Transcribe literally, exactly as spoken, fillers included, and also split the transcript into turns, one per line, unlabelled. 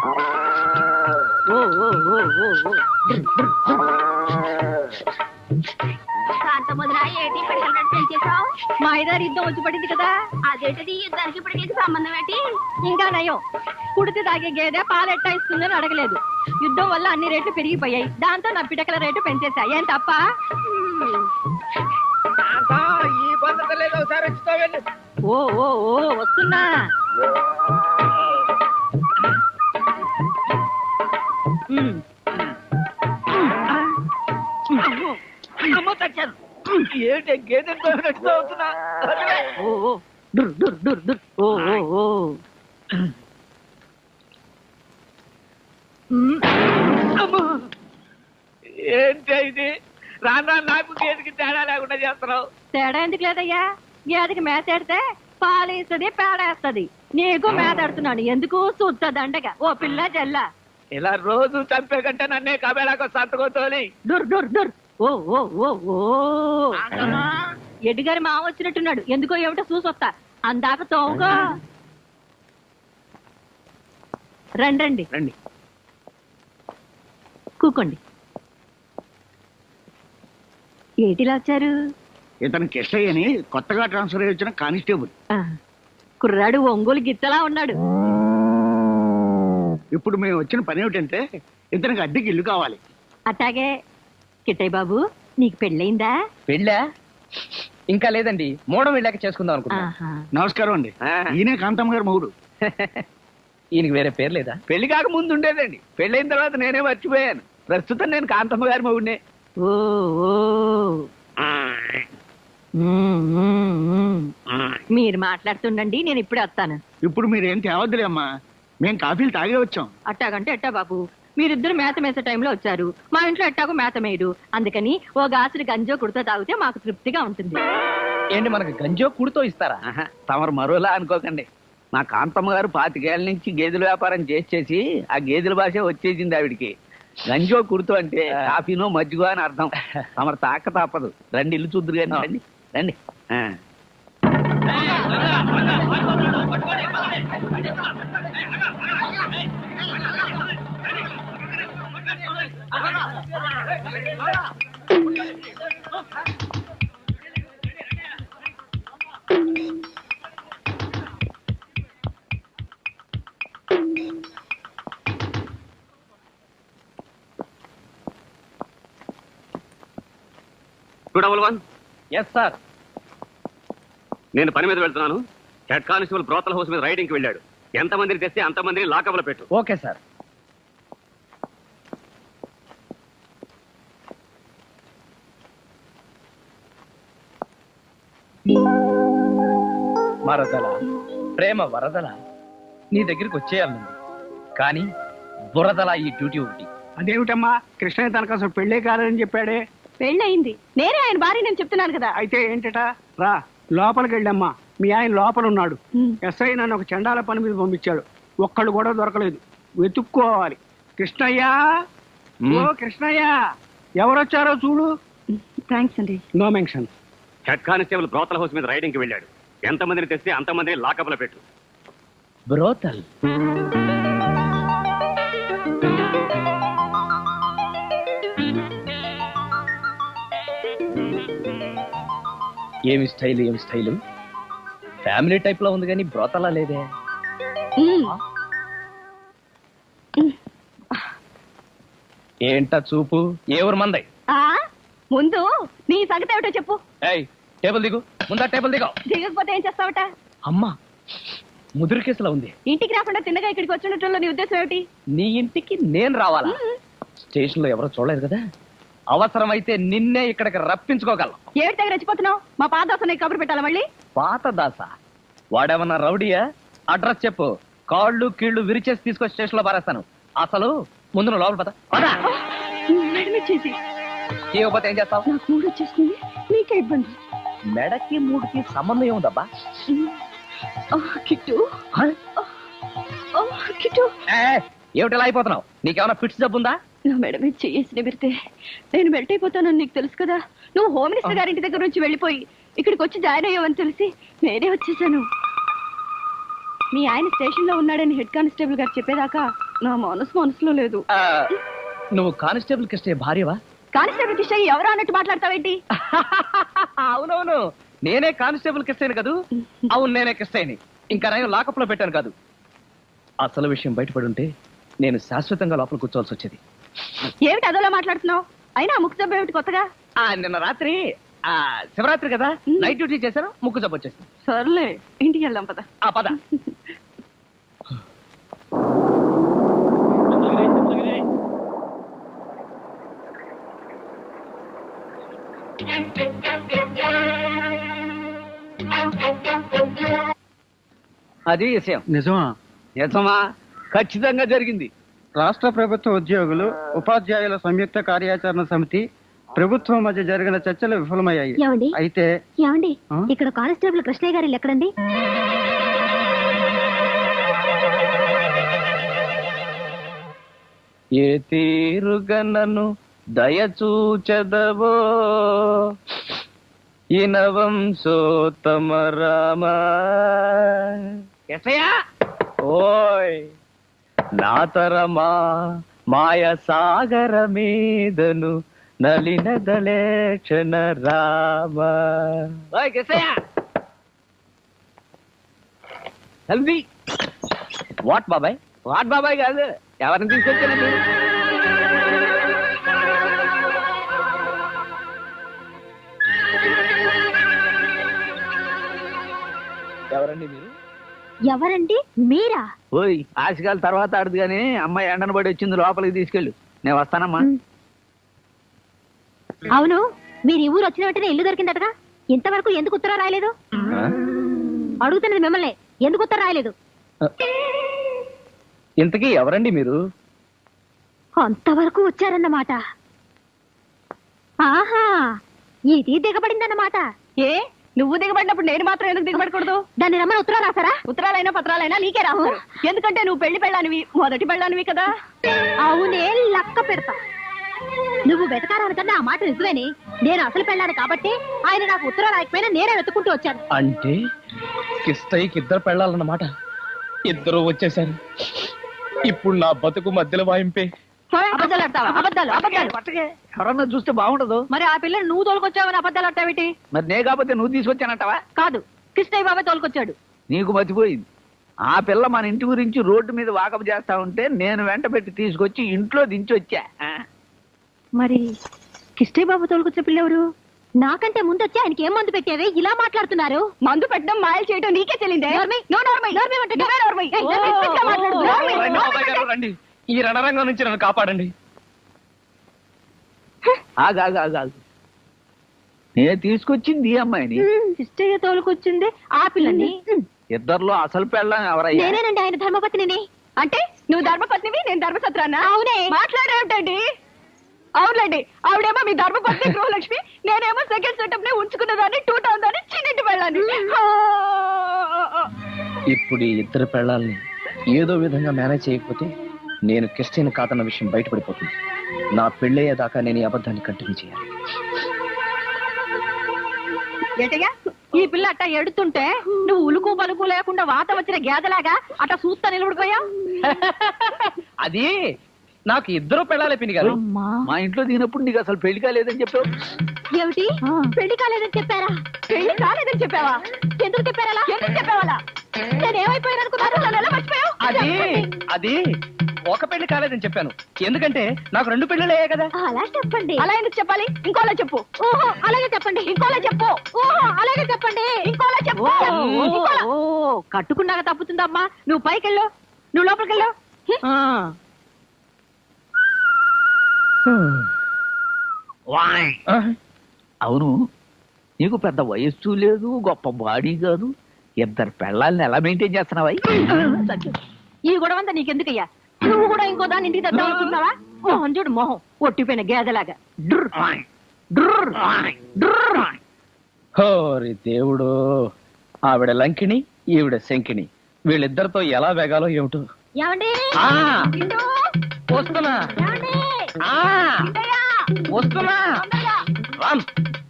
మా ఐదారు యుద్ధం వచ్చి పడింది కదా, అదేంటది యుద్ధానికి ఇప్పటికి సంబంధం ఏంటి? ఇంకా నయం, కుడితి తాగే గేదె పాలెట్టా ఇస్తుందని అడగలేదు. యుద్ధం వల్ల అన్ని రేట్లు పెరిగిపోయాయి, దాంతో నా పిటకల రేటు పెంచేసా. ఏం తప్ప? ఓ ఓ ఓ వస్తున్నా.
ఏంటి గేదె అవుతున్నా? ఏంటి ఇది? రానా నాకు గేదెకి తేడా లేకుండా చేస్తున్నావు.
తేడా ఎందుకు లేదయ్యా, గేదెకి మేతేడితే పాలేస్తుంది, పేడేస్తుంది. నీకు మేతాడుతున్నాను ఎందుకు? చూస్తా దండగా. ఓ పిల్ల జల్ల,
ఇలా రోజు చంపే కంటే నన్నే కబేళాకు సంతకోతోని.
దుర్ దుర్ దుర్. ఓ ఓ ఓ ఓ ఎడ్డిగారి మామ వచ్చినట్టున్నాడు. ఎందుకో ఏమిటో చూసొస్తా. అందాక తోగా రండి రండి
రండి
కూకోండి. ఏటిలా వచ్చారు?
ఇతను కిష్టయ్య అని కొత్తగా ట్రాన్స్ఫర్ అయ్యి వచ్చిన కానిస్టేబుల్.
కుర్రాడు ఒంగోలు గిత్తలా ఉన్నాడు.
ఇప్పుడు మేము వచ్చిన పని ఏమిటంటే ఇతనికి అద్దెకి ఇల్లు కావాలి.
అట్టాగే. కిట్టయ్య బాబు, నీకు పెళ్ళయిందా?
పెళ్ళా? ఇంకా లేదండి, మూడం వెళ్ళాక చేసుకుందాం అనుకున్నా.
నమస్కారం అండి, ఈయనే కాంతమ్మ గారు మొగుడు.
ఈయనకి వేరే పేరు లేదా?
పెళ్లి కాక ముందు ఉండేదండి, పెళ్ళైన తర్వాత నేనే మర్చిపోయాను. ప్రస్తుతం నేను కాంతమ్మ గారి మొగుడినే.
ఓ మీరు మాట్లాడుతుండండి, నేను ఇప్పుడే వస్తాను.
ఇప్పుడు మీరేం తేవద్దులే అమ్మా, మేము కాఫీలు తాగే వచ్చాం.
అట్టాగంటే ఎట్టా బాబు, మీరిద్దరు మేత మేసే టైంలో వచ్చారు. మా ఇంట్లో ఎట్టాగో మేత మేయడు, అందుకని ఓ గాసులు గంజో కుడితో తాగితే మాకు తృప్తిగా ఉంటుంది.
ఏంటి, మనకు గంజో కుడితో ఇస్తారా?
తమరు మరోలా అనుకోకండి. మా కాంతమ్మ గారు పాతికేళ్ల నుంచి గేదెల వ్యాపారం చేసి చేసి ఆ గేదెల భాష వచ్చేసింది ఆవిడికి. గంజో కుడుతూ అంటే కాఫీనో మజ్జిగో అని అర్థం. తమరు తాక తప్పదు. రండి, ఇల్లు చూద్దరు కానీ రండి రండి.
Two double one.
Yes sir.
నేను పని మీద వెళ్తున్నాను. హెడ్ కానిస్టేబుల్ బ్రోతల్ హౌస్ మీద రైడింగ్కి వెళ్ళాడు. ఎంతమందిని తెస్తే అంతమందిని లాకప్లో పెట్టు.
Okay sir. మరదల ప్రేమ వరదల నీ దగ్గరికి వచ్చేయాలి, కానీ బురదల ఈ డ్యూటీ ఒకటి.
అదేమిటమ్మా, కృష్ణయ్య తనకు అసలు పెళ్లే కాదని చెప్పాడే.
పెళ్ళయింది, నేనే ఆయన భార్య నేను చెప్తున్నాను కదా.
అయితే ఏంటట? రా లోపలికి వెళ్ళమ్మా, మీ ఆయన లోపల ఉన్నాడు. ఎస్ఐ నన్ను ఒక చండాల పని మీద పంపించాడు, ఒక్కళ్ళు కూడా దొరకలేదు, వెతుక్కోవాలి. కృష్ణయ్య, ఓ కృష్ణయ్య, ఎవరొచ్చారో చూడు.
థ్యాంక్స్ అండి.
No mention.
Head constable brothel house మీద రైడింగ్కి వెళ్ళాడు. ఎంతమందిని తెస్తే అంతమందిని లాకప్లో పెట్టు.
బ్రోతల్ ఏమి స్టైల్, ఏమి స్టైలు. ఫ్యామిలీ టైప్ లో ఉంది కానీ బ్రోతలా లేదే. ఏంటా చూపు? ఏ ఊరు మందై?
ముందు నీ సంగతి ఏమిటో చెప్పు.
ఏయ్, టేబుల్ దిగు. ముందా టేబుల్ దిగు.
దిగకపోతే ఏం చేస్తావట?
అమ్మా, ముదురు కేసులా ఉంది.
ఇంటికి రాకుండా తిన్నగా ఇక్కడికి వచ్చినట్టు నీ ఉద్దేశం ఏమిటి?
నీ ఇంటికి నేను రావాలా? స్టేషన్ లో ఎవరో చూడలేదు కదా, అవసరమైతే నిన్నే ఇక్కడికి రప్పించుకోగలం.
ఏడు దగ్గర రెచ్చిపోతున్నావు? మా పాత దాస నీకు కబురు పెట్టాలా మళ్ళీ?
పాత దాస వాడేమన్నా రౌడీయా? అడ్రస్ చెప్పు, కాళ్ళు కీళ్లు విరిచేసి తీసుకొచ్చి స్టేషన్ లో పారేస్తాను. అసలు ముందు నువ్వు లోపల పద. చేయకపోతే ఏం చేస్తావు?
నాకు మూడు వచ్చేస్తుంది, నీకే ఇబ్బంది.
మెడకి మూడుకి సంబంధం ఏముందబ్బా?
Kit kit,
ఏమిటిలా అయిపోతున్నావు? నీకేమైనా ఫిట్స్ జబ్బుందా?
నా మేడ మీద చేసి నిబిరితే నేను మెల్ట్ అయిపోతానని నీకు తెలుసు కదా. నువ్వు హోమ్ మినిస్టర్ గారింటి దగ్గర నుంచి వెళ్ళిపోయి ఇక్కడికి వచ్చి జాయిన్ అయ్యావని తెలిసి నేనే వచ్చేసాను. మీ ఆయన స్టేషన్ లో ఉన్నాడని హెడ్ కానిస్టేబుల్ గారు చెప్పేదాకా నా మనసు మనసులో లేదు.
ఆ, నువ్వు కానిస్టేబుల్ కృష్ణయ్య భార్యవా?
కానిస్టేబుల్ కిషయ్య ఎవరు అన్నట్టు మాట్లాడతావేంటి?
అవునవును, నేనే కానిస్టేబుల్ కృష్ణయ్యని కదూ. అవును, నేనే కృష్ణయ్యని. ఇంకా నేను లాకప్ లో పెట్టాను కాదు. అసలు విషయం బయటపడి ఉంటే నేను శాశ్వతంగా లోపల కూర్చోవాల్సి వచ్చేది.
ఏమిటి అదోలా మాట్లాడుతున్నావు? అయినా ముక్కు జబ్బు ఏమిటి కొత్తగా?
ఆ నిన్న రాత్రి ఆ శివరాత్రి కదా, నైట్ డ్యూటీ చేశాను, ముక్కు జబ్బు వచ్చేసింది.
సర్లే, ఇంటికి వెళ్దాం పద.
ఆ పద.
అది విషయం.
నిజమా?
నిజమా? ఖచ్చితంగా జరిగింది.
రాష్ట్ర ప్రభుత్వ ఉద్యోగులు ఉపాధ్యాయుల సంయుక్త కార్యాచరణ సమితి ప్రభుత్వం మధ్య జరిగిన చర్చలు విఫలమయ్యాయి.
ఏమండి?
అయితే
ఏమండి,
ఆ?
ఇక్కడ కానిస్టేబుల్ కృష్ణయ్య గారు ఎక్కడండి?
ఏ తీరుగనను దయచూచదవో ఇనవంశోత్తమ రామ.
ఎస్ఐయా,
ఓయ్ నాతరమా మాయ సాగర మీదను నలిన దళేక్షణ రామ.
ఓయ్ ఎస్ఐయా, హల్దీ.
వాట్ బాబాయ్?
వాట్ బాబాయ్ కాదు, ఎవరిని తీసుకొచ్చానండి?
ఎవరండి మీరు?
ఎవరండి మీరా?
ఓయ్ ఆశకాల తర్వాత ఆడదు కానీ అమ్మాయి ఎండను పడి వచ్చింది, లోపలికి తీసుకెళ్ళు. నేను వస్తానమ్మా.
అవును, మీరు ఈ ఊరు వచ్చిన వెంటనే ఇల్లు దొరికిందటగా, ఇంతవరకు ఎందుకు ఉత్తరం రాయలేదు? అడుగుతున్నది మిమ్మల్ని, ఎందుకు ఉత్తరం రాయలేదు?
ఇంతకీ ఎవరండి మీరు?
అంతవరకు వచ్చారన్నమాట. ఆహా, ఇది దిగబడిందన్నమాట. ఏ నువ్వు దిగబడినప్పుడు నేను మాత్రం ఎందుకు దిగబడకూడదు? దాన్ని రమ్మని ఉత్తరాలు రాసారా? ఉత్తరాలైనా పత్రాలైనా నీకే రాస్తారు, ఎందుకంటే నువ్వు పెళ్లి పెళ్ళానివి, మొదటి పెళ్ళానివి కదా. అవునే, లక్క పెడతా. నువ్వు వెతకారానికన్నా ఆ మాట నిజమేని. నేను అసలు పెళ్ళాను కాబట్టి ఆయన నాకు ఉత్తరాలు రాయకపోయినా నేనే వెతుకుంటూ వచ్చాను.
అంటే కిష్టయ్యకి ఇద్దరు పెళ్ళాలన్నమాట. ఇద్దరు వచ్చేసారు. ఇప్పుడు నా బతుకు మధ్యలో వాయింపే.
అబద్ధాలు ఆడతావా? అబద్ధాలు అబద్ధాలు.
పట్టకే, ఎవరన్నా చూస్తే బాగుండదు.
మరి ఆ పిల్లని నువ్వు తోలుకొచ్చావని అబద్ధాలు ఆడతావేటి?
మరి నే కాకపోతే నువ్వు తీసుకొచ్చానంటావా?
కాదు, కృష్ణయ్య బాబాయ్ తోలుకొచ్చాడు.
నీకు మతిపోయింది. ఆ పిల్ల మన ఇంటి గురించి రోడ్డు మీద వాకపు చేస్తా ఉంటే నేను వెంట పెట్టి తీసుకొచ్చి ఇంట్లో దించి వచ్చా. ఆ?
మరి కిష్టయ్య బాబు తోలుకొచ్చే పిల్లెవరు? నాకంటే ముందు వచ్చి ఆయనకి ఏం మందు పెట్టావే ఇలా మాట్లాడుతున్నారు? మందు పెట్టడం మాయలు చేయడం నీకే తెలియదే.
రండి బాబాయ్ గారు, రండి. ఈ రణరంగం నుంచి నన్ను కాపాడండి.
ఆగు, ఆగు, ఆగు, ఆగు. నేను తీసుకొచ్చింది ఈ అమ్మాయిని.
కిష్టయ్య తోలుకొచ్చింది ఆ పిల్లని.
ఇద్దర్లో అసలు పెళ్ళం ఎవరయ్యా?
నేనేనండి ఆయన ధర్మపత్నిని. అంటే నువ్వు ధర్మపత్నివి, నేను ధర్మసత్రానా? అవునే. మాట్లాడేమిటండి? అవునండి, ఆవిడేమో మీ ధర్మపత్ని గృహలక్ష్మి, నేనేమో సెకండ్ సెటప్ నే ఉంచుకున్నదాన్ని, టూ టౌన్ దాన్ని, చిన్నింటి వెళ్ళాను.
ఇప్పుడు ఈ ఇద్దరు పెళ్ళాలని ఏదో విధంగా మేనేజ్ చేయకపోతే నేను కిష్టయ్యని కాదన్న విషయం బయటపడిపోతుంది. నా పెళ్ళయ్యేదాకా నేను ఈ అబద్ధాన్ని కంటిన్యూ చేయాలి.
ఏటయ్యా, ఈ పిల్ల అట్ట ఎడుతుంటే నువ్వు ఉలుకు పలుకు లేకుండా వాత వచ్చిన గేదలాగా అట్ట చూస్తా నిలబడిపోయావు.
అది నాకు ఇద్దరు పెళ్ళాలే పిన్ని గారు.
మా ఇంట్లో దిగినప్పుడు నీకు అసలు పెళ్లి కాలేదని చెప్పావు.
ఏమిటి, పెళ్లి కాలేదని చెప్పారా? పెళ్లి కాలేదని చెప్పావా? ఎందుకు చెప్పారా? ఎందుకు చెప్పావాలా? నేను ఏమైపోయాను అనుకున్నాను, నన్ను ఎలా మర్చిపోయావు?
అది అది ఒక పెళ్లి కాలేదని చెప్పాను, ఎందుకంటే నాకు రెండు పెళ్ళిళ్ళు అయ్యాయి కదా.
అలా చెప్పండి. అలా ఎందుకు చెప్పాలి? ఇంకోలా చెప్పు. ఓహో అలాగే చెప్పండి. ఇంకోలా చెప్పు. ఓహో అలాగే చెప్పండి. ఇంకోలా చెప్పు. ఓ కట్టుకున్నాక తప్పుతుందమ్మా. నువ్వు పైకెళ్ళు, నువ్వు లోపలికెళ్ళు.
అవును, నీకు పెద్ద వయస్సు లేదు, గొప్ప బాడీ కాదు, ఇద్దరు పెళ్ళాలని ఎలా మెయింటైన్ చేస్తున్నావా?
ఈ గొడవంతా నీకెందుకయ్యా? నువ్వు కూడా ఇంకో దాన్ని ఇంటికి తెద్దాం అనుకుంటున్నావా? మోహన్ చూడు, మొహం ఒట్టిపోయిన గేదలాగా.
హోరి దేవుడు, ఆవిడ లంకిణి, ఈవిడ శంకిణి, వీళ్ళిద్దరితో ఎలా వేగాలో ఏమిటో.
ఏమండి?
ఆ, వస్తున్నా. ఆ, వస్తున్నా. రామ్